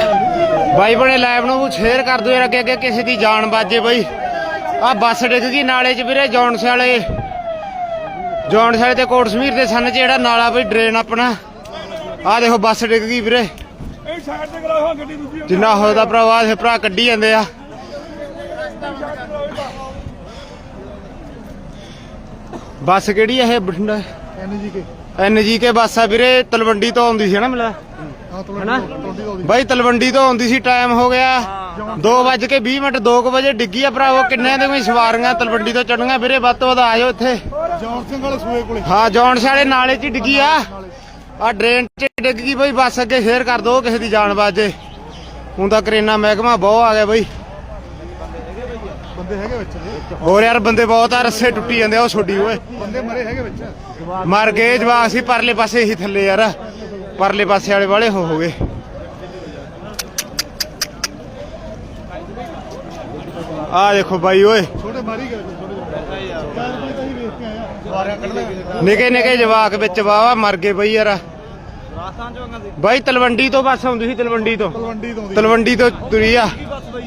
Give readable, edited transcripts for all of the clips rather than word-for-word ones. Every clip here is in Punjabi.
ਬਾਈ ਬਣੇ ਲਾਈਵ ਨੂੰ ਸ਼ੇਅਰ ਕਰ ਦਿਓ ਯਾਰ, ਅੱਗੇ ਅੱਗੇ ਕਿਸੇ ਦੀ ਜਾਨ ਬਾਜੇ ਬਾਈ। ਆ ਬੱਸ ਡਿੱਗ ਗਈ ਨਾਲੇ 'ਚ ਵੀਰੇ, ਜੌਨਸ ਵਾਲੇ ਤੇ ਕੋਟ ਸਮੀਰ ਦੇ ਸੰਨ 'ਚ ਜਿਹੜਾ ਨਾਲਾ ਬਈ ਡਰੇਨ ਆਪਣਾ। ਆ ਦੇਖੋ ਬੱਸ ਡਿੱਗ ਗਈ ਵੀਰੇ, ਜਿੰਨਾ ਹੋਦਾ ਭਰਾਵਾ ਇਹ ਭਰਾ ਕੱਢੀ ਜਾਂਦੇ ਆ। ਬੱਸ ਕਿਹੜੀ ਆ ਇਹ? ਬਠਿੰਡਾ NGK ਬੱਸ ਆ ਵੀਰੇ, ਤਲਵੰਡੀ ਤੋਂ ਆਉਂਦੀ ਸੀ ਨਾ ਮਿਲਾ ਹਨਾ ਬਾਈ, ਤਲਵੰਡੀ ਤੋਂ ਆਉਂਦੀ ਸੀ। ਟਾਈਮ ਹੋ ਗਿਆ 2:20 2 ਵਜੇ ਡਿੱਗੀ ਆ ਭਰਾਵੋ। ਕਿੰਨੇ ਦੇ ਕੋਈ ਸਵਾਰੀਆਂ ਤਲਵੰਡੀ ਤੋਂ ਚੜੀਆਂ ਵੀਰੇ, ਵੱਧ ਤੋਂ ਵੱਧ ਆ ਜਾਓ ਇੱਥੇ। ਜੌਨ ਸਿੰਘ ਵਾਲੇ ਸੂਏ ਕੋਲੇ, ਹਾਂ ਜੌਨਸ ਵਾਲੇ ਨਾਲੇ 'ਚ ਡਿੱਗੀ ਆ। ਆ ਡਰੇਨ 'ਚ ਡਿੱਗ ਗਈ ਬਈ ਬੱਸ, ਅੱਗੇ ਸ਼ੇਅਰ ਕਰ ਦੋ ਕਿਸੇ ਦੀ ਜਾਨ ਬਾਜੇ। ਹੁਣ ਤਾਂ ਕਰੇਨਾ ਮਹਿਕਮਾ ਬਹੁਤ ਆ ਗਿਆ ਬਈ, ਬੰਦੇ ਹੈਗੇ ਵਿੱਚ। ਹੋਰ ਯਾਰ ਬੰਦੇ ਬਹੁਤ ਆ, ਰੱਸੇ ਟੁੱਟੀ ਜਾਂਦੇ ਆ। ਉਹ ਛੋਡੀ ਓਏ ਬੰਦੇ ਮਰੇ ਹੈਗੇ ਵਿੱਚ, ਮਰ ਗਏ ਜਵਾਕ ਸੀ ਪਰਲੇ ਪਾਸੇ ਹੀ ਥੱਲੇ ਯਾਰ, ਪਰਲੇ ਪਾਸੇ ਵਾਲੇ ਵਾਲੇ ਹੋ ਗਏ। ਆ ਦੇਖੋ ਬਾਈ ਓਏ, ਛੋਟੇ ਮਾਰੀ ਗਏ ਨਿੱਕੇ ਨਿੱਕੇ ਜਵਾਕ ਵਿੱਚ ਵਾਵਾ ਮਰ ਗਏ ਬਈ ਯਾਰ। ਬਾਈ ਤਲਵੰਡੀ ਤੋਂ ਬੱਸ ਆਉਂਦੀ ਸੀ, ਤਲਵੰਡੀ ਤੋਂ ਤੁਰੀ ਆ,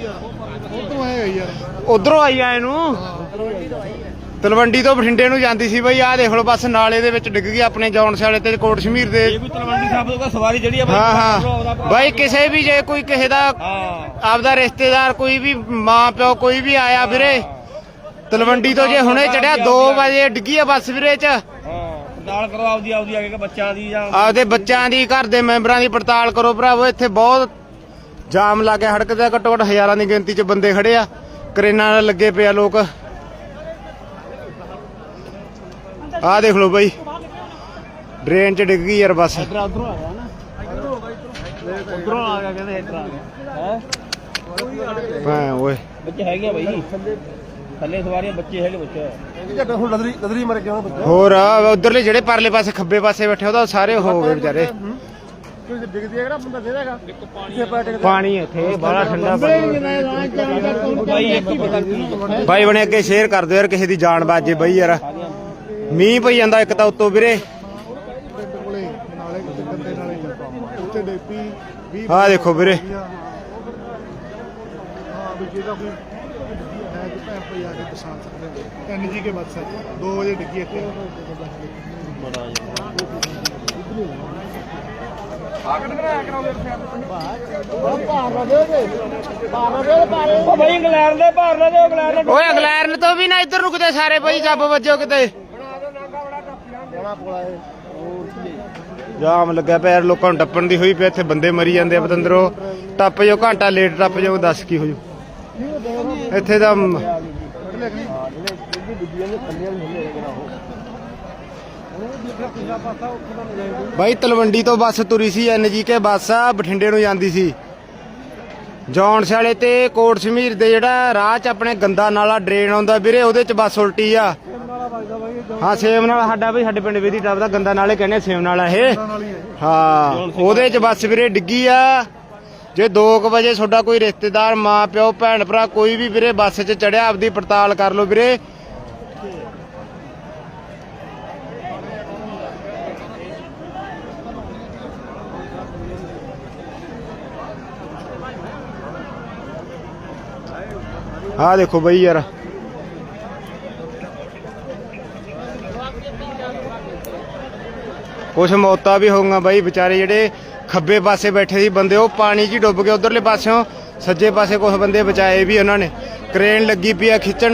ਉਧਰੋਂ ਆਈ ਆ ਇਹਨੂੰ। ਤਲਵੰਡੀ ਤੋਂ ਬਠਿੰਡੇ ਨੂੰ ਜਾਂਦੀ ਸੀ ਬਈ। ਆਹ ਦੇਖ ਲਓ ਬੱਸ ਨਾਲੇ ਦੇ ਵਿੱਚ ਡਿੱਗ ਗਈ ਆਪਣੇ ਜੌਨਸ ਵਾਲੇ ਤੇ ਕੋਟ ਸ਼ਮੀਰ ਦੇ। ਸਵਾਰੀ ਜਿਹੜੀ ਆ ਹਾਂ ਬਾਈ, ਕਿਸੇ ਵੀ ਜੇ ਕੋਈ ਕਿਸੇ ਦਾ ਆਪਦਾ ਰਿਸ਼ਤੇਦਾਰ, ਕੋਈ ਵੀ ਮਾਂ ਪਿਓ ਕੋਈ ਵੀ ਆਇਆ ਵੀਰੇ ਤਲਵੰਡੀ ਤੋਂ, ਜੇ ਹੁਣੇ ਚੜਿਆ 2 ਵਜੇ ਡਿੱਗੀ ਆ ਬੱਸ ਵੀਰੇ ਚ। ਪੜਤਾਲ ਕਰੋ ਆਪਦੀ ਆ ਕੇ ਬੱਚਿਆਂ ਦੀ ਜਾਂ ਆਪਦੇ ਬੱਚਿਆਂ ਦੀ, ਘਰ ਦੇ ਮੈਂਬਰਾਂ ਦੀ ਪੜਤਾਲ ਕਰੋ ਭਰਾਵੋ। ਇੱਥੇ ਬਹੁਤ ਜਾਮ ਲੱਗ ਗਿਆ ਸੜਕ ਤੇ, ਘੱਟੋ ਘੱਟ ਹਜ਼ਾਰਾਂ ਦੀ ਗਿਣਤੀ ਚ ਬੰਦੇ ਖੜੇ ਆ, ਕਰੇਨਾਂ ਨਾਲ ਲੱਗੇ ਪਏ ਆ ਲੋਕ। ਆਹ ਦੇਖ ਲਓ ਬਾਈ, ਡਰੇਨ 'ਚ ਡਿੱਗ ਗਈ ਯਾਰ ਬੱਸ। ਉਧਰੋਂ ਆ ਗਿਆ ਕਹਿੰਦੇ ਇੱਧਰ ਆ ਗਿਆ ਹਾਂ ਓਏ ਬੱਚੇ ਹੈਗੇ ਆ ਬਾਈ, ਥੱਲੇ ਸਵਾਰੀਆਂ ਬੱਚੇ ਹੈਗੇ ਬੱਚੇ। ਹੁਣ ਲਦਰੀ ਮਰ ਗਿਆ ਬੱਚਾ। ਹੋਰ ਉਧਰਲੇ ਜਿਹੜੇ ਪਰਲੇ ਪਾਸੇ ਖੱਬੇ ਪਾਸੇ ਬੈਠੇ ਉਹਦਾ ਸਾਰੇ ਹੋ ਗਏ ਵਿਚਾਰੇ। ਡਿੱਗਦੀ ਹੈ ਬੰਦਾ ਦੇਗਾ ਪਾਣੀ ਇੱਥੇ ਬੜਾ ਠੰਡਾ ਪਾਣੀ। ਬਾਈ ਬਾਈ ਬਣੇ ਅੱਗੇ ਸ਼ੇਅਰ ਕਰ ਦਿਓ ਯਾਰ, ਕਿਸੇ ਦੀ ਜਾਨ ਬਾਜੇ ਬਈ ਯਾਰ। ਮੀਂਹ ਪਈ ਜਾਂਦਾ ਇੱਕ ਤਾਂ ਉੱਤੋਂ ਵੀਰੇ। ਆਹ ਦੇਖੋ ਵੀਰੇ, NGK ਬੱਸ 2 ਵਜੇ ਡਿੱਗੀ ਇੱਥੇ। ਬਾਈ ਇੰਗਲੈਂਡ ਦੇ ਭਾਰ ਨਾ ਦਿਓ, ਇੰਗਲੈਂਡ ਓਏ ਇੰਗਲੈਂਡ ਤੋਂ ਵੀ ਨਾ ਇੱਧਰ ਰੁਕਦੇ ਸਾਰੇ ਬਈ, ਜੱਬ ਵੱਜੋ ਕਿਤੇ। ਜਾਮ ਲੱਗਿਆ ਪਿਆ ਲੋਕਾਂ ਨੂੰ, ਟੱਪਣ ਦੀ ਹੋਈ ਪਿਆ। ਇੱਥੇ ਬੰਦੇ ਮਰੀ ਜਾਂਦੇ ਆ ਪਤੰਦਰੋਂ। ਟੱਪ ਜਾਓ, ਘੰਟਾ ਲੇਟ ਟੱਪ ਜਾਓ, ਦੱਸ ਕੀ ਹੋ ਜੂ ਇੱਥੇ ਦਾ। ਬਾਈ ਤਲਵੰਡੀ ਤੋਂ ਬੱਸ ਤੁਰੀ ਸੀ, NGK ਬੱਸ ਆ, ਬਠਿੰਡੇ ਨੂੰ ਜਾਂਦੀ ਸੀ। ਜੌਨਸ ਵਾਲੇ ਤੇ ਕੋਟ ਸ਼ਮੀਰ ਦੇ ਜਿਹੜਾ ਰਾਹ 'ਚ ਆਪਣੇ ਗੰਦਾ ਨਾਲਾ ਡਰੇਨ ਆਉਂਦਾ ਵੀਰੇ, ਉਹਦੇ 'ਚ ਬੱਸ ਉਲਟੀ ਆ। ਹਾਂ ਸੇਮ ਨਾਲ ਸਾਡਾ ਬਈ, ਸਾਡੇ ਪਿੰਡ ਵੇਦੀ ਟੱਪ ਦਾ ਗੰਦਾ ਨਾਲੇ ਕਹਿੰਦੇ ਸੇਮ ਨਾਲਾ ਇਹ। ਹਾਂ ਉਹਦੇ 'ਚ ਬੱਸ ਵੀਰੇ ਡਿੱਗੀ ਆ। ਜੇ 2 ਵਜੇ ਤੁਹਾਡਾ ਕੋਈ ਰਿਸ਼ਤੇਦਾਰ, ਮਾਂ ਪਿਓ, ਭੈਣ ਭਰਾ ਕੋਈ ਵੀ ਵੀਰੇ ਬੱਸ 'ਚ ਚੜਿਆ, ਆਪਦੀ ਪੜਤਾਲ ਕਰ ਲਓ ਵੀਰੇ। ਆਹ ਦੇਖੋ ਬਈ ਯਾਰ, ਕੁਛ ਮੌਤਾਂ ਵੀ ਹੋਊਗਾ ਬਾਈ। ਵਿਚਾਰੇ ਜਿਹੜੇ ਖੱਬੇ ਪਾਸੇ ਬੈਠੇ ਸੀ ਬੰਦੇ, ਉਹ ਪਾਣੀ 'ਚ ਹੀ ਡੁੱਬ ਗਏ। ਉਧਰਲੇ ਪਾਸਿਓਂ ਸੱਜੇ ਪਾਸੇ ਕੁਛ ਬੰਦੇ ਬਚਾਏ ਵੀ ਉਹਨਾਂ ਨੇ। ਕ੍ਰੇਨ ਲੱਗੀ ਪਈ ਆ ਖਿੱਚਣ।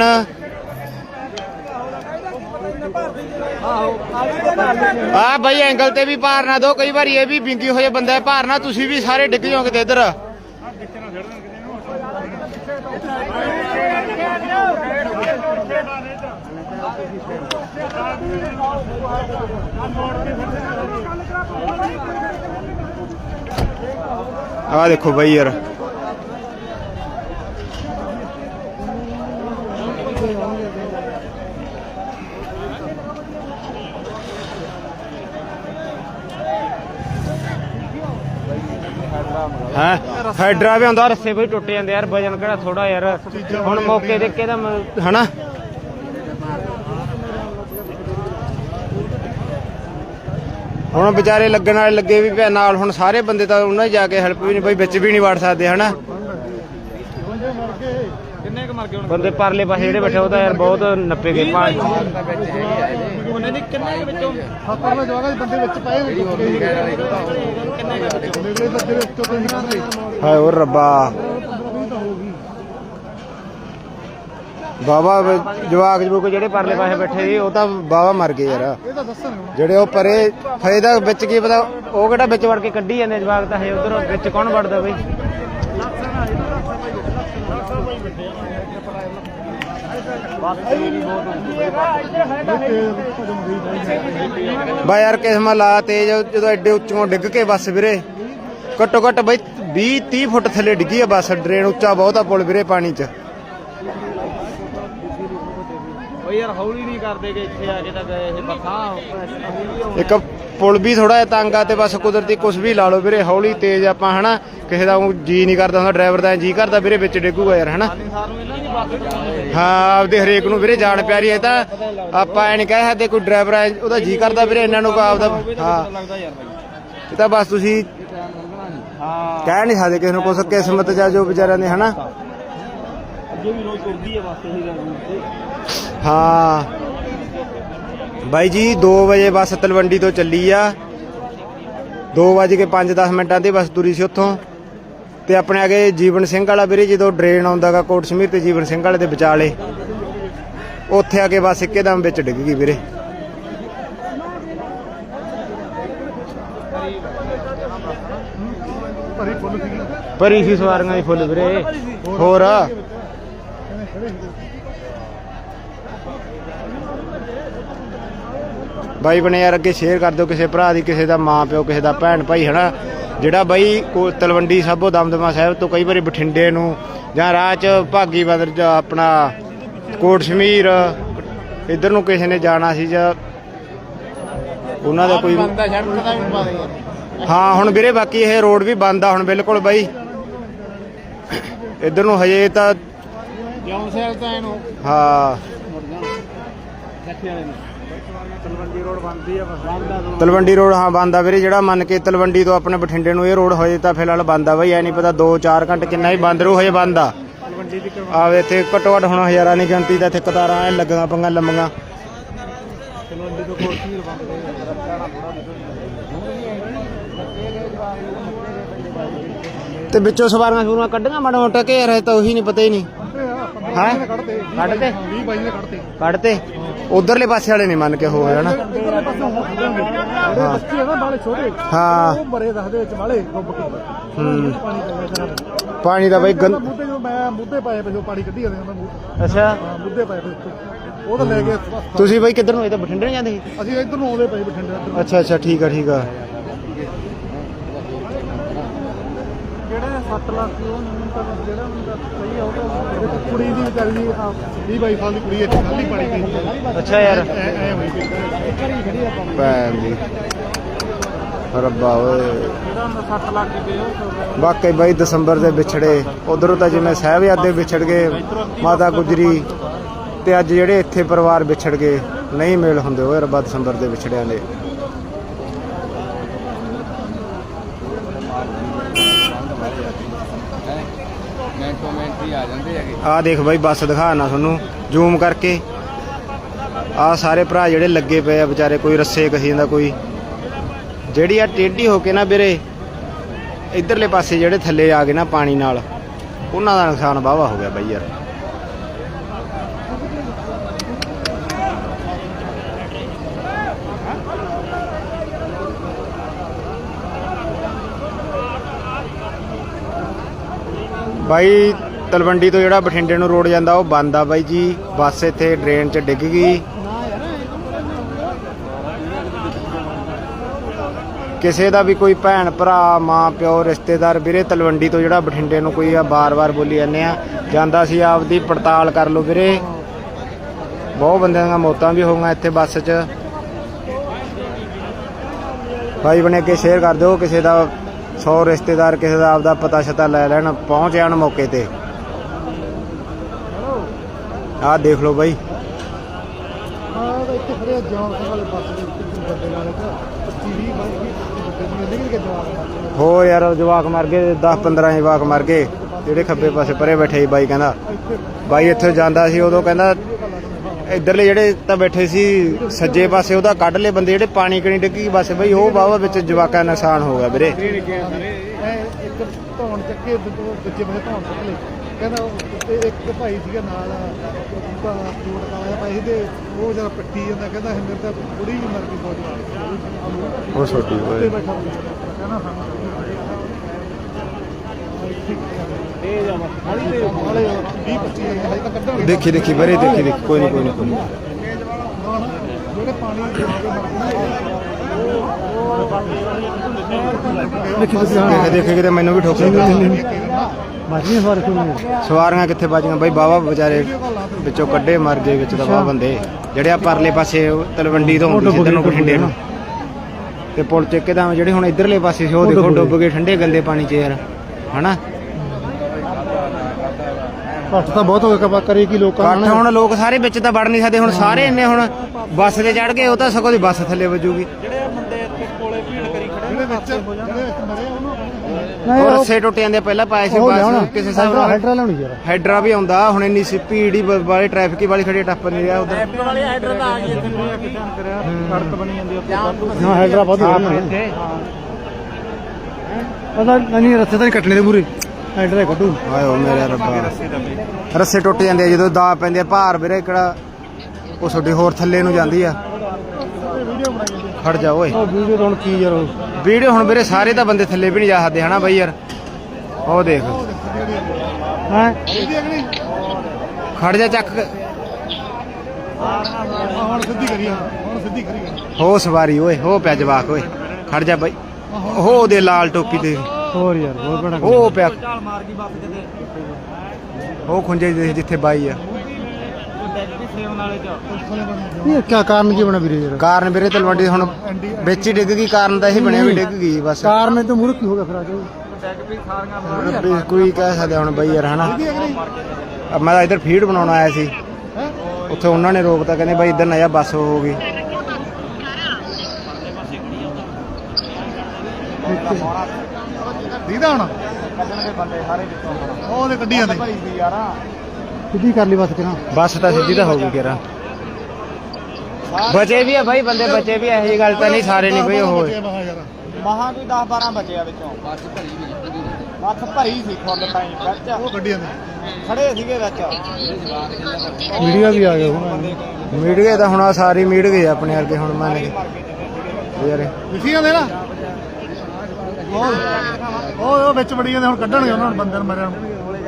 ਆ ਬਾਈ ਐਂਗਲ ਤੇ ਵੀ ਭਾਰ ਨਾ ਦਿਓ, ਕਈ ਵਾਰੀ ਇਹ ਵੀ ਵਿੰਗੀ ਹੋਏ ਬੰਦਾ ਭਾਰ ਨਾ, ਤੁਸੀਂ ਵੀ ਸਾਰੇ ਡਿੱਗ ਜਾਓ ਕਿਤੇ ਇੱਧਰ। ਆ ਦੇਖੋ ਬਾਈ ਯਾਰ, ਹਾਂ ਹੈਡਰਾ ਵੀ ਆਉਂਦਾ, ਰੱਸੇ ਬਈ ਟੁੱਟ ਜਾਂਦੇ ਯਾਰ, ਵਜਨ ਕਿਹੜਾ ਥੋੜਾ ਯਾਰ। ਹੁਣ ਮੌਕੇ ਦੇ ਕੇ ਦਾ ਹਨਾ ਹੁਣ ਵਿਚਾਰੇ ਲੱਗਣ ਵਾਲੇ ਲੱਗੇ ਵੀ ਪਿਆ ਨਾਲ, ਹੁਣ ਸਾਰੇ ਬੰਦੇ ਤਾਂ ਉਹਨਾਂ ਜਾ ਕੇ ਹੈਲਪ ਵੀ ਨਹੀਂ ਬਈ, ਵਿੱਚ ਵੀ ਨਹੀਂ ਵੜ ਸਕਦੇ ਹਨਾ। ਕਿੰਨੇ ਕੁ ਮਰ ਗਏ ਹੁਣ ਬੰਦੇ ਪਰਲੇ ਪਾਸੇ ਜਿਹੜੇ ਬੈਠੇ ਉਹ ਤਾਂ ਯਾਰ ਬਹੁਤ ਨੱਪੇ ਗਏ ਪਾਣੀ। ਉਹਨੇ ਦੀ ਕਿੰਨੇ ਕੁ ਵਿੱਚੋਂ ਸੱਤਾਂ ਦਾ ਜਵਾਗਾ ਬੰਦੇ ਵਿੱਚ ਪਏ ਹੋਏ ਕਿੰਨੇ ਕੁ ਵਿੱਚੋਂ ਮੇਰੇ ਬੱਚੇ ਵਿੱਚ ਤੋਂ ਨਹੀਂ ਕਰਦੇ ਹਾਏ ਓ ਰੱਬਾ, ਬਾਬਾ ਜਵਾਕ ਜਵੂਕ ਜਿਹੜੇ ਪਰਲੇ ਪਾਸੇ ਬੈਠੇ ਸੀ ਉਹ ਤਾਂ ਬਾਬਾ ਮਰ ਗਏ ਯਾਰ। ਇਹ ਤਾਂ ਦੱਸਣ ਹੁਣ ਜਿਹੜੇ ਉਹ ਪਰੇ ਫਾਇਦਾ ਵਿੱਚ ਕੀ ਪਤਾ, ਉਹ ਕਿਹੜਾ ਵਿੱਚ ਵੜ ਕੇ ਕੱਢੀ ਜਾਂਦੇ ਜਵਾਕ ਤਾਂ ਹੈ, ਉਧਰ ਵਿੱਚ ਕੌਣ ਵੜਦਾ ਬਈ। ਬਾ ਯਾਰ ਕਿਸਮਤ ਲਾ ਤੇਜ, ਜਦੋਂ ਐਡੇ ਉੱਚੋਂ ਡਿੱਗ ਕੇ ਬੱਸ ਵੀਰੇ ਘੱਟੋ ਘੱਟ ਬਈ 20-30 ਫੁੱਟ ਥੱਲੇ ਡਿੱਗੀ ਆ ਬੱਸ। ਡਰੇਨ ਉੱਚਾ ਬਹੁਤ ਆ ਪੁਲ ਵੀਰੇ ਪਾਣੀ 'ਚ। ਓਏ ਯਾਰ ਹੌਲੀ ਨਹੀਂ ਕਰਦੇ ਕਿ ਇੱਥੇ ਆ ਕੇ ਤਾਂ ਗਏ ਇਹ ਬੱਸਾਂ। ਇੱਕ ਪੁਲ ਵੀ ਥੋੜਾ ਜਿਹਾ ਤੰਗ ਆ ਤੇ ਬਸ ਕੁਦਰਤੀ ਕੁਛ ਵੀ ਲਾ ਲਓ ਵੀਰੇ, ਹੌਲੀ ਤੇਜ਼ ਆਪਾਂ ਹਨਾ, ਕਿਸੇ ਦਾ ਜੀ ਨਹੀਂ ਕਰਦਾ ਹੁੰਦਾ, ਡਰਾਈਵਰ ਦਾ ਜੀ ਕਰਦਾ ਵੀਰੇ ਵਿੱਚ ਡਿੱਗੂਗਾ ਯਾਰ ਹਨਾ। ਸਾਨੂੰ ਇਹਨਾਂ ਦੀ ਬੱਸ ਹਾਂ ਆਪਦੇ ਹਰੇਕ ਨੂੰ ਵੀਰੇ ਜਾਣ ਪਿਆਰੀ ਹੈ, ਤਾਂ ਆਪਾਂ ਐ ਨਹੀਂ ਕਹਿ ਸਕਦੇ ਕੋਈ ਡਰਾਈਵਰ ਹੈ ਉਹਦਾ ਜੀ ਕਰਦਾ ਵੀਰੇ, ਇਹਨਾਂ ਨੂੰ ਆਪਦਾ ਹਾਂ ਲੱਗਦਾ ਯਾਰ ਬਾਈ। ਇਹ ਤਾਂ ਬਸ ਤੁਸੀਂ ਹਾਂ ਕਹਿ ਨਹੀਂ ਸਕਦੇ ਕਿਸੇ ਨੂੰ ਕੁਛ, ਕਿਸਮਤ ਜਾਂ ਜੋ ਵਿਚਾਰਿਆਂ ਨੇ ਹਨਾ। ਅੱਗੇ ਵੀ ਰੋਜ਼ ਤੁਰਦੀ ਹੈ ਬੱਸ ਇਹੀ ਗੱਲ। ਹਾਂ ਬਾਈ ਜੀ 2 ਵਜੇ ਬੱਸ ਤਲਵੰਡੀ ਤੋਂ ਚੱਲੀ ਆ, 2:05 ਤੇ ਬੱਸ ਤੁਰੀ ਸੀ ਉੱਥੋਂ, ਤੇ ਆਪਣੇ ਅੱਗੇ ਜੀਵਨ ਸਿੰਘ ਵਾਲਾ ਵੀਰੇ ਜਦੋਂ ਡਰੇਨ ਆਉਂਦਾਗਾ ਕੋਟ ਸਮੀਰ ਤੇ ਜੀਵਨ ਸਿੰਘ ਵਾਲੇ ਦੇ ਵਿਚਾਲੇ, ਉੱਥੇ ਆ ਕੇ ਬੱਸ ਇੱਕਦਮ ਵਿੱਚ ਡਿੱਗ ਗਈ ਵੀਰੇ। ਭਰੀ ਫੁੱਲ ਸੀਗੀ ਭਰੀ ਸੀ ਸਵਾਰੀਆਂ ਦੀ ਫੁੱਲ ਵੀਰੇ। ਹੋਰ ਬਾਈ ਬਣੇ ਯਾਰ ਅੱਗੇ ਸ਼ੇਅਰ ਕਰ ਦਿਓ ਕਿਸੇ ਭਰਾ ਦੀ, ਕਿਸੇ ਦਾ ਮਾਂ ਪਿਓ, ਕਿਸੇ ਦਾ ਭੈਣ ਭਾਈ ਹਨਾ, ਜਿਹੜਾ ਬਾਈ ਤਲਵੰਡੀ ਸਾਬੋ ਦਮਦਮਾ ਸਾਹਿਬ ਤੋਂ ਕਈ ਵਾਰੀ ਬਠਿੰਡੇ ਨੂੰ ਜਾਂ ਰਾਹ 'ਚ ਭਾਗੀ ਬਦਰ ਜਾਂ ਆਪਣਾ ਕੋਟ ਸ਼ਮੀਰ ਇੱਧਰ ਨੂੰ ਕਿਸੇ ਨੇ ਜਾਣਾ ਸੀ ਜਾਂ ਉਹਨਾਂ ਦਾ ਕੋਈ ਹਾਂ। ਹੁਣ ਵੀਰੇ ਬਾਕੀ ਇਹ ਰੋਡ ਵੀ ਬੰਦ ਆ ਹੁਣ ਬਿਲਕੁਲ ਬਾਈ, ਇੱਧਰ ਨੂੰ ਹਜੇ ਤਾਂ ਜਿਉਂ ਸ਼ਹਿਰ ਤਾਂ ਇਹਨੂੰ ਹਾਂ ਗੱਠੇ ਵਾਲੇ ਨੂੰ ਤਲਵੰਡੀ ਰੋਡ ਬੰਦੀ ਆ ਬਸ। ਤਲਵੰਡੀ ਰੋਡ ਹਾਂ ਬੰਦ ਆ ਵੀਰੇ, ਜਿਹੜਾ ਮੰਨ ਕੇ ਤਲਵੰਡੀ ਤੋਂ ਆਪਣੇ ਬਠਿੰਡੇ ਨੂੰ ਇਹ ਰੋਡ ਹੋਏ ਤਾਂ ਫਿਲਹਾਲ ਬੰਦ ਆ ਬਾਈ, ਐ ਨਹੀਂ ਪਤਾ 2-4 ਘੰਟੇ ਕਿੰਨਾ ਹੀ ਬੰਦ ਰਹੂ, ਹਜੇ ਬੰਦ ਆ। ਤਲਵੰਡੀ ਦੀ ਆਵੇ ਇੱਥੇ ਘੱਟੋ ਘੱਟ ਹੁਣ ਹਜ਼ਾਰਾਂ ਦੀ ਗਿਣਤੀ ਦਾ ਇੱਥੇ ਕਤਾਰਾਂ ਐ ਲੱਗੀਆਂ ਪੰਗਾਂ ਲੰਮੀਆਂ। ਤਲਵੰਡੀ ਤੋਂ ਕੋਟ ਸ਼ਮੀਰ ਬੰਦ ਤੇ ਵਿੱਚੋਂ ਸਵਾਰੀਆਂ ਸੂਰੀਆਂ ਕੱਢੀਆਂ ਮਾੜਾ ਮੋਟਾ ਕਿ ਯਾਰ ਤਾਂ ਉਹੀ ਨਹੀਂ ਪਤਾ ਹੀ ਨਹੀਂ ਹੈ ਕੱਢਦੇ ਕੱਢਦੇ 20 ਬਾਈ ਨੇ ਕੱਢਦੇ ਕੱਢਤੇ ਉਧਰਲੇ ਪਾਸੇ ਵਾਲੇ ਨਹੀਂ ਮੰਨ ਕੇ ਹੋ ਜਾਣਾ। ਇਧਰਲੇ ਪਾਸੇ ਜਿਹੜੇ ਬੱਚੇ ਆ ਨਾ ਬਾਲੇ ਛੋਟੇ ਹਾਂ ਉਹ ਮਰੇ ਦੱਸਦੇ ਵਿੱਚ ਵਾਲੇ ਡੁੱਬ ਕੇ ਹੂੰ ਪਾਣੀ ਪੈ ਗਿਆ ਪਾਣੀ ਦਾ ਬਾਈ ਗੰਦ। ਮੁੱਦੇ ਜਦੋਂ ਮੈਂ ਮੁੱਦੇ ਪਾਏ ਪਏ ਪਾਣੀ ਕੱਢੀ ਜਾਂਦੇ ਉਹਨਾਂ ਮੂੰਹ ਅੱਛਾ ਮੁੱਦੇ ਪਾਏ ਪਏ ਉੱਤੇ, ਉਹ ਤਾਂ ਲੈ ਕੇ ਤੁਸੀਂ ਬਾਈ ਕਿੱਧਰ ਨੂੰ, ਇਹ ਤਾਂ ਬਠਿੰਡੇ ਨੂੰ ਜਾਂਦੇ ਸੀ? ਅਸੀਂ ਇੱਧਰ ਨੂੰ ਆਉਂਦੇ ਪਏ ਬਠਿੰਡੇ ਇੱਧਰ ਅੱਛਾ ਅੱਛਾ ਠੀਕ ਆ ਠੀਕ ਆ। ਜਿਹੜੇ 7 ਲੱਖ ਸੀ ਉਹ ਮੈਨੂੰ ਤਾਂ ਜਿਹੜਾ ਮੁੰਡਾ ਸਹੀ ਆ ਉਹ ਤਾਂ ਕੁੜੀ ਦੀ ਵਿਚਾਰੀ ਦੀ 20-22 ਸਾਲ ਦੀ ਕੁੜੀ ਇੱਥੇ ਖਾਲੀ ਪਾਣੀ ਪਈ ਅੱਛਾ ਯਾਰ ਐ ਹੋਈ ਪਈ ਘਰੀ ਖੜੀ ਆਪਾਂ ਭੈਣ ਦੀ ਰੱਬਾ ਓਏ। ਜਿਹੜਾ 7 ਲੱਖ ਦੀ ਉਹ ਵਾਕਈ ਬਾਈ ਦਸੰਬਰ ਦੇ ਵਿਛੜੇ ਉਧਰੋਂ ਤਾਂ ਜਿਵੇਂ ਸਾਹਿਬਜ਼ਾਦੇ ਵਿਛੜ ਗਏ, ਮਾਤਾ ਗੁਜਰੀ, ਤੇ ਅੱਜ ਜਿਹੜੇ ਇੱਥੇ ਪਰਿਵਾਰ ਵਿਛੜ ਗਏ, ਨਹੀਂ ਮੇਲ ਹੁੰਦੇ ਓਏ ਰੱਬਾ ਦਸੰਬਰ ਦੇ ਵਿਛੜਿਆਂ ਦੇ। ਆ ਦੇਖ ਬਾਈ ਬੱਸ ਦਿਖਾਣਾ ਤੁਹਾਨੂੰ ਜ਼ੂਮ ਕਰਕੇ, ਆ ਸਾਰੇ ਭਰਾ ਜਿਹੜੇ ਲੱਗੇ ਪਏ ਆ ਵਿਚਾਰੇ, ਕੋਈ ਰੱਸੇ ਕਹੀ ਜਾਂਦਾ, ਕੋਈ ਜਿਹੜੀ ਆ ਟੇਢੀ ਹੋ ਕੇ ਨਾ ਵੀਰੇ ਇਧਰਲੇ ਪਾਸੇ ਜਿਹੜੇ ਥੱਲੇ ਆ ਗਏ ਨਾ ਪਾਣੀ ਨਾਲ, ਉਹਨਾਂ ਦਾ ਨੁਕਸਾਨ ਵਾਹਵਾ ਹੋ ਗਿਆ ਬਾਈ ਯਾਰ। ਬਾਈ ਤਲਵੰਡੀ ਤੋਂ ਜਿਹੜਾ ਬਠਿੰਡੇ ਨੂੰ ਰੋਡ ਜਾਂਦਾ ਉਹ ਬੰਦ ਆ ਬਾਈ ਜੀ, ਬੱਸ ਇੱਥੇ ਡਰੇਨ 'ਚ ਡਿੱਗ ਗਈ। ਕਿਸੇ ਦਾ ਵੀ ਕੋਈ ਭੈਣ ਭਰਾ ਮਾਂ ਪਿਓ ਰਿਸ਼ਤੇਦਾਰ ਵੀਰੇ ਤਲਵੰਡੀ ਤੋਂ ਜਿਹੜਾ ਬਠਿੰਡੇ ਨੂੰ ਕੋਈ ਆ ਬਾਰ-ਬਾਰ ਬੋਲੀ ਜਾਂਦੇ ਆ ਜਾਂਦਾ ਸੀ, ਆਪਦੀ ਪੜਤਾਲ ਕਰ ਲਓ ਵੀਰੇ। ਬਹੁਤ ਬੰਦਿਆਂ ਦੀਆਂ ਮੌਤਾਂ ਵੀ ਹੋਈਆਂ ਇੱਥੇ ਬੱਸ 'ਚ। ਭਾਈ ਬਣੇ ਕੇ ਸ਼ੇਅਰ ਕਰ ਦਿਓ, ਕਿਸੇ ਦਾ 100 ਰਿਸ਼ਤੇਦਾਰ ਕਿਸੇ ਦਾ ਆਪਦਾ ਪਤਾ ਸ਼ਤਾ ਲੈ ਲੈਣ, ਪਹੁੰਚ ਜਾਣ ਮੌਕੇ ਤੇ। ਆਹ ਦੇਖ ਲਓ ਬਾਈ, ਇੱਥੇ ਖੜੇ ਜੌਨ ਸਿੰਘ ਵਾਲੇ ਪਾਸੇ ਦੇ ਬੰਦੇ ਨਾਲ ਹੋ ਯਾਰ ਜਵਾਕ ਮਰ ਗਏ 10-15 ਜਵਾਕ ਮਰ ਗਏ ਜਿਹੜੇ ਖੱਬੇ ਪਾਸੇ ਪਰੇ ਬੈਠੇ ਸੀ। ਬਾਈ ਕਹਿੰਦਾ ਬਾਈ ਇੱਥੇ ਜਾਂਦਾ ਸੀ ਉਦੋਂ ਕਹਿੰਦਾ ਇੱਧਰਲੇ ਜਿਹੜੇ ਤਾਂ ਬੈਠੇ ਸੀ ਸੱਜੇ ਪਾਸੇ ਉਹਦਾ ਕੱਢ ਲਏ ਬੰਦੇ ਜਿਹੜੇ ਪਾਣੀ ਕਣੀ ਡਿੱਗੀ ਬਸ ਬਈ ਉਹ ਵਾਹਵਾ ਵਿੱਚ ਜਵਾਕਾਂ ਦਾ ਨੁਕਸਾਨ ਹੋ ਗਿਆ ਵੀਰੇ। ਇੱਕ ਧੌਣ ਚੱਕੇ ਦੂਜੇ ਪਾਸੇ ਧੌਣ ਚੱਕ ਲਏ ਕਹਿੰਦਾ ਇੱਕ ਭਾਈ ਸੀਗਾ ਨਾਲ ਫਰੂਟ ਖਾਇਆ ਭਾਈ ਤੇ ਉਹ ਜਦ ਪੱਟੀ ਜਾਂਦਾ ਕਹਿੰਦਾ ਮੇਰੇ ਤਾਂ ਕੁੜੀ ਵੀ ਮਰ ਗਈ ਬਹੁਤ ਉਹ ਛੋਟੀ ਹੋਏ ਕਹਿੰਦਾ ਇਹ ਜਾਵਾ ਹਾਲੇ 20-25 ਹਜੇ ਤਾਂ ਕੱਢਾਂਗੇ ਦੇਖੀ ਵੀਰੇ ਦੇਖੀ ਕੋਈ ਨਹੀਂ ਜਿਹੜੇ ਪਾਣੀ ਦੇਖੇ ਕਿਤੇ ਮੈਨੂੰ ਵੀ ਠੋਕ ਸਵਾਰੀਆਂ ਕਿੱਥੇ ਬਾਜੀਆਂ ਬਾਈ ਵਾਹਵਾ ਵਿਚਾਰੇ ਵਿੱਚੋਂ ਕੱਢੇ ਮਰ ਗਏ ਵਿੱਚ ਤਾਂ ਵਾਹ ਬੰਦੇ ਜਿਹੜੇ ਆ ਪਰਲੇ ਪਾਸੇ ਤਲਵੰਡੀ ਤੋਂ ਹੁੰਦੀ ਸੀ ਇੱਧਰ ਨੂੰ ਬਠਿੰਡੇ ਨੂੰ ਤੇ ਪੁਲ ਚੱਕੇ ਤਾਂ ਜਿਹੜੇ ਹੁਣ ਇੱਧਰਲੇ ਪਾਸੇ ਸੀ ਉਹ ਦੇਖੋ ਡੁੱਬ ਗਏ ਠੰਡੇ ਗੰਦੇ ਪਾਣੀ 'ਚ ਯਾਰ ਹਨਾ। ਘੱਟ ਤਾਂ ਬਹੁਤ ਹੋ ਗਿਆ ਕਰੇ ਕੀ ਲੋਕਾਂ ਕੱਠ ਹੁਣ ਲੋਕ ਸਾਰੇ ਵਿੱਚ ਤਾਂ ਵੜ ਨਹੀਂ ਸਕਦੇ ਹੁਣ ਸਾਰੇ ਇੰਨੇ ਹੁਣ ਬੱਸ ਤੇ ਚੜ ਗਏ ਉਹ ਤਾਂ ਸਗੋਂ ਦੀ ਬੱਸ ਥੱਲੇ ਵੱਜੂਗੀ। ਜਿਹੜੇ ਬੰਦੇ ਇੱਥੇ ਕੋਲੇ ਭੀੜ ਕਰੀ ਖੜੇ ਜਿਹੜੇ ਵਿੱਚ ਮਰੇ ਉਹਨੂੰ ਉਹ ਰੱਸੇ ਟੁੱਟ ਜਾਂਦੇ ਪਹਿਲਾਂ ਪਾਏ ਸੀ ਬੱਸ ਕਿਸੇ ਹਿਸਾਬ ਨਾਲ ਹੈਡਰਾ ਲਾਉਣੀ ਯਾਰ ਹੈਡਰਾ ਵੀ ਆਉਂਦਾ ਹੁਣ ਇੰਨੀ ਸੀ ਭੀੜ ਹੀ ਵਾਲੀ ਟ੍ਰੈਫਿਕ ਹੀ ਵਾਲੀ ਖੜੀ ਟੱਪ ਨਹੀਂ ਰਿਹਾ ਉਧਰ ਵਾਲੀ ਹੈਡਰ ਤਾਂ ਆ ਗਈ ਇੱਥੇ ਕਰਿਆ ਸੜਕ ਬਣੀ ਜਾਂਦੀ ਉੱਥੇ ਹਾਂ ਹੈਡਰਾ ਬਹੁਤ ਹੋ ਰਿਹਾ ਪਤਾ ਨਹੀਂ ਰੱਸੇ ਤਾਂ ਨਹੀਂ ਕੱਟਣੇ ਦੇ ਪੂਰੇ ਹੈਡਰਾ ਕੱਢੂ ਆਏ ਹੋ ਮੇਰੇ ਰੱਬਾ ਰੱਸੇ ਟੁੱਟ ਜਾਂਦੇ ਆ ਜਦੋਂ ਦਾ ਪੈਂਦੇ ਆ ਭਾਰ ਵੀਰੇ ਕਿਹੜਾ ਉਹ ਛੋਟੀ ਹੋਰ ਥੱਲੇ ਨੂੰ ਜਾਂਦੀ ਆ। ਖੜ ਜਾ ਓਏ ਉਹ ਵੀਡੀਓ ਹੁਣ ਕੀ ਯਾਰ ਵੀਡੀਓ ਹੁਣ ਵੀਰੇ ਸਾਰੇ ਤਾਂ ਬੰਦੇ ਥੱਲੇ ਵੀ ਨਹੀਂ ਜਾ ਸਕਦੇ ਹਨਾ ਬਾਈ ਯਾਰ। ਉਹ ਦੇਖ ਹਾਂ ਖੜ ਜਾ ਚੱਕ ਹੁਣ ਸਿੱਧੀ ਕਰੀ ਹੁਣ ਸਿੱਧੀ ਕਰੀ ਹੋ ਸਵਾਰੀ ਓਏ ਹੋ ਪਿਆ ਜਵਾਕ ਓਏ ਖੜ ਜਾ ਬਾਈ ਉਹ ਉਹਦੇ ਲਾਲ ਟੋਪੀ ਦੇ ਹੋਰ ਯਾਰ ਹੋਰ ਬੜਾ ਉਹ ਪਿਆ ਚਾਲ ਮਾਰ ਗਈ ਬੱਸ ਕਿਤੇ ਉਹ ਖੁੰਝੇ ਜਿਹੇ ਜਿੱਥੇ ਬਾਈ ਆ। ਸੇਵਨ ਵਾਲੇ ਚ ਇਹ ਕੀ ਕਾਰਨ ਕੀ ਬਣਾ ਵੀਰੇ ਯਾਰ ਕਾਰਨ ਵੀਰੇ ਤਲਵੰਡੀ ਹੁਣ ਵਿੱਚ ਹੀ ਡਿੱਗ ਗਈ ਕਾਰਨ ਤਾਂ ਇਹ ਬਣਿਆ ਵੀ ਡਿੱਗ ਗਈ ਬਸ। ਕਾਰਨ ਤੇ ਮੂਰਖ ਕੀ ਹੋ ਗਿਆ ਫਿਰ ਆ ਜਾਓ ਡੈਗ ਵੀ ਸਾਰੀਆਂ ਕੋਈ ਕਹਿ ਸਕਦਾ ਹੁਣ ਬਾਈ ਯਾਰ ਹਨਾ। ਮੈਂ ਤਾਂ ਇੱਧਰ ਫੀਡ ਬਣਾਉਣ ਆਇਆ ਸੀ ਉੱਥੇ ਉਹਨਾਂ ਨੇ ਰੋਕਤਾ ਕਹਿੰਦੇ ਬਾਈ ਇੱਧਰ ਨਾ ਜਾ ਬੱਸ ਹੋ ਗਈ। ਦੀਦਾ ਹੁਣ ਕੱਢਣਗੇ ਬੰਦੇ ਸਾਰੇ ਵਿੱਚੋਂ ਉਹਦੇ ਕੱਢੀ ਜਾਂਦੇ ਭਾਈ ਸੀ ਯਾਰ ਸਿੱਧੀ ਕਰ ਲਈ ਬਸ ਕਿਰਾਂ ਬੱਸ ਤਾਂ ਸਿੱਧੀ ਤਾਂ ਹੋ ਗਈ ਕਿਰਾ ਬਚੇ ਵੀ ਆ ਬਾਈ ਬੰਦੇ ਬਚੇ ਵੀ ਇਹੋ ਜਿਹੀ ਗੱਲ ਤਾਂ ਨਹੀਂ ਸਾਰੇ ਨਹੀਂ ਬਈ ਉਹ ਮਹਾ ਕੋਈ 10-12 ਬਚੇ ਆ ਵਿੱਚੋਂ ਬੱਸ ਭਰੀ ਸੀ ਫੁੱਲ ਟਾਈਮ ਵਿੱਚ ਉਹ ਕੱਢੀ ਜਾਂਦੇ ਖੜੇ ਸੀਗੇ ਵਿੱਚ ਮੀਡੀਆ ਵੀ ਆ ਗਿਆ ਹੁਣ ਮੀਟ ਗਏ ਤਾਂ ਹੁਣ ਆ ਸਾਰੇ ਮੀਟ ਗਏ ਆਪਣੇ ਵਰਗੇ ਹੁਣ ਮੰਨ ਕੇ ਯਾਰ ਲਿਖੀ ਜਾਂਦੇ ਨਾ ਉਹ ਵਿੱਚ ਵੜੀ ਜਾਂਦੇ ਹੁਣ ਕੱਢਣਗੇ ਉਹਨਾਂ ਨੂੰ ਬੰਦੇ ਨੂੰ ਮਰਿਆ ਨੂੰ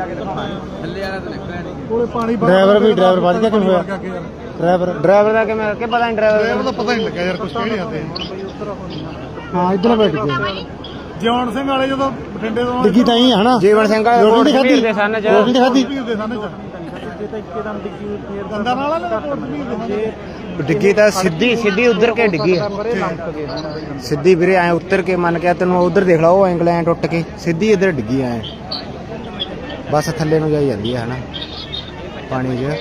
ਕੋਲੇ ਪਾਣੀ ਡਰਾਈਵਰ ਵੱਜ ਗਿਆ ਕਿਵੇਂ ਹੋਇਆ ਡਰਾਈਵਰ ਦਾ ਕਿਵੇਂ ਕਿ ਪਤਾ ਨਹੀਂ ਡਰਾਈਵਰ ਦਾ ਪਤਾ ਨਹੀਂ ਲੱਗਿਆ ਯਾਰ ਕੁਝ ਕਿਹੜੇ ਹੱਥੇ ਹਾਂ ਇੱਧਰ ਬੈਠ ਗਏ ਜੌਨ ਸਿੰਘ ਵਾਲੇ ਜਦੋਂ ਬਠਿੰਡੇ ਤੋਂ ਡਿੱਗੀ ਤਾਂ ਹੀ ਹੈ ਹਨਾ ਜੀਵਨ ਸਿੰਘ ਵਾਲੇ ਰੋਟੀ ਖਾਧੀ ਦੇ ਸਨ ਚ ਰੋਟੀ ਖਾਧੀ ਦੇ ਸਨ ਚ ਜੇ ਤਾਂ ਇੱਕਦਮ ਡਿੱਗੀ ਫੇਰ ਗੰਦਾ ਨਾਲ ਨਾ ਡਿੱਗੀ ਤਾਂ ਸਿੱਧੀ ਉਧਰ ਕੇ ਡਿੱਗੀ ਸਿੱਧੀ ਵੀਰੇ ਐ ਉੱਤਰ ਕੇ ਮੰਨ ਕੇ ਤੈਨੂੰ ਉਧਰ ਦੇਖ ਲਾ ਉਹ ਐਂਗਲ ਐ ਟੁੱਟ ਕੇ ਸਿੱਧੀ ਇੱਧਰ ਡਿੱਗੀ ਐ ਬਸ ਥੱਲੇ ਨੂੰ ਜਾਈ ਜਾਂਦੀ ਹੈ ਹਨਾ ਪਾਣੀ 'ਚ।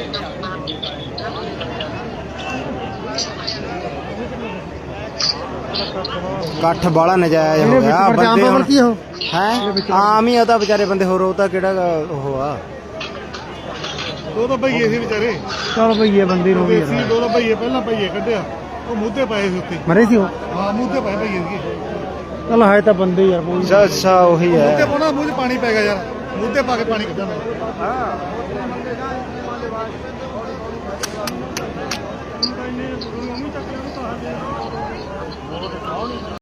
ਇਕੱਠ ਬਾਲਾ ਨਜਾਇਜ਼ ਹੋ ਗਿਆ ਬੰਦੇ ਹੁਣ ਹੈ ਆਮ ਹੀ ਆ ਤਾਂ ਵਿਚਾਰੇ ਬੰਦੇ ਹੋਰ ਉਹ ਤਾਂ ਕਿਹੜਾ ਉਹ ਆ ਦੋ ਤਾਂ ਭਈਏ ਸੀ ਵਿਚਾਰੇ ਚਲ ਭਈਏ ਬੰਦੇ ਨੂੰ ਵੀ ਸੀ ਦੋ ਤਾਂ ਭਈਏ ਪਹਿਲਾਂ ਭਈਏ ਕੱਢਿਆ ਉਹ ਮੂਧੇ ਪਏ ਸੀ ਉੱਤੇ ਮਰੇ ਸੀ ਉਹ ਹਾਂ ਮੂਧੇ ਪਏ ਭਈਏ ਸੀ ਚਲ ਹੈ ਤਾਂ ਬੰਦੇ ਯਾਰ ਕੋਈ ਅੱਛਾ ਉਹੀ ਮੂਧੇ ਹੈ ਪਾਉਣਾ ਮੂੰਹ 'ਚ ਪਾਣੀ ਪੈ ਗਿਆ ਯਾਰ ਮੂਧੇ ਪਾ ਕੇ ਪਾਣੀ ਕੱਢਣਾ